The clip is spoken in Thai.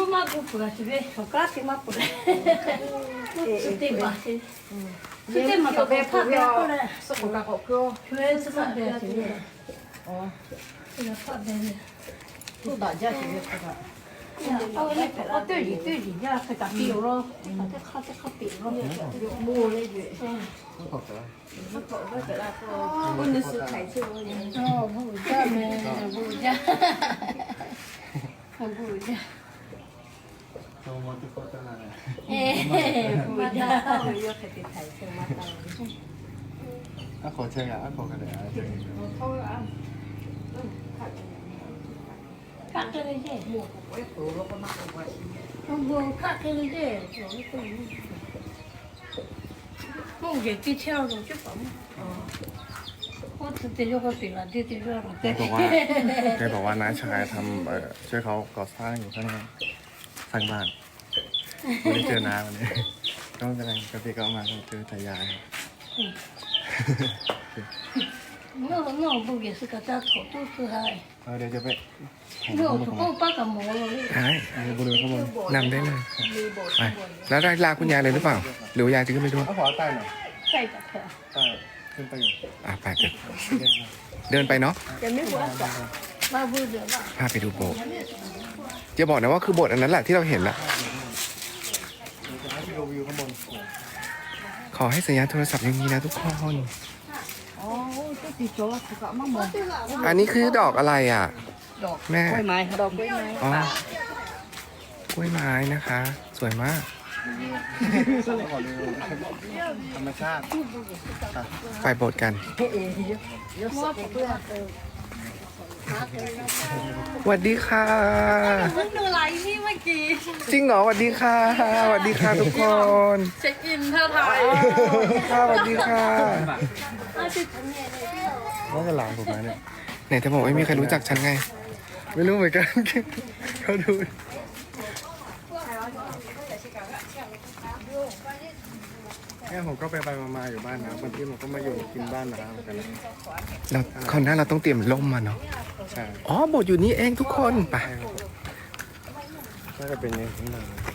まごくがしべ、そかしまこれ。ステマし。ステマとべパベこれ。 そこがここ。 フエスパベやしね。 あ、 これパベね。 そうだじゃあしべかあ、我对你对你呀，给它比咯，它比咯。 摸那句。 ขอบใจ温的是开车的。 哦，不加没，不加，不加。 โตโมติโกตนา哎，不加。 要开始开车嘛？ อ่ะขอเชิญอ่ะขอกระเดาษ看这个去， 我也走了，我哪有关系？ 我看这个去，我也给跳了，就跑嘛。我直接就会比了，直接就了。 แกบอกว่าน้าชายทำช่วยเขาก่อสร้างอยู่ข้างในสร้างบ้านวันนี้เจอน้าวันนี้ก็กำลังกระติกก็มาเจอทายาย我不也是个家头都是还， เดี๋ยวจะไปแข่ง我就我把个毛了嘞。 ได้บริเวณข้างบนนำได้เลยไปแล้วได้ลาคุณยายเลยหรือเปล่า หรือว่ายายจะขึ้นไปด้วยเอาขอใต้หน่อย带着去。 ใต้ขึ้นไปอยู่ไปกันเดินไปเนาะ那不是吧？ พาไปดูโบสถ์จะบอกนะว่าคือโบสถ์อันนั้นแหละที่เราเห็นละจะให้ไปดูวิวข้างบนขอให้สัญญาณโทรศัพท์ยังมีนะทุกคน哦，这地球是干嘛嘛？ อันนี้คือดอกอะไรอ่ะดอกแม่กล้วยไม้ดอกกล้วยไม้อ๋อกล้วยไม้นะคะ สวยมากขอดูธรรมชาติไปโบสถ์กัน สวัสดีค่ะเพิ่งดูไลฟ์นี่เมื่อกี้จริงเหรอสวัสดีค่ะสวัสดีค่ะทุกคนเช็คอินเท่าไทยสวัสดีค่ะน่าจะทำเนี่ยน่าจะหลานผมนะเนี่ยไหนเธอบอกไม่มีใครรู้จักฉันไงไม่รู้เหมือนกัน เขาดูเนี่ยผมก็ไปมาอยู่บ้านนะบางทีผมก็มาอยู่กินบ้านนะเหมือนกันนะเราคราวหน้าเราต้องเตรียมร่มมาเนาะใช่อ๋อโบสถ์อยู่นี่เองทุกคนไปน่าจะเป็นอย่างนี้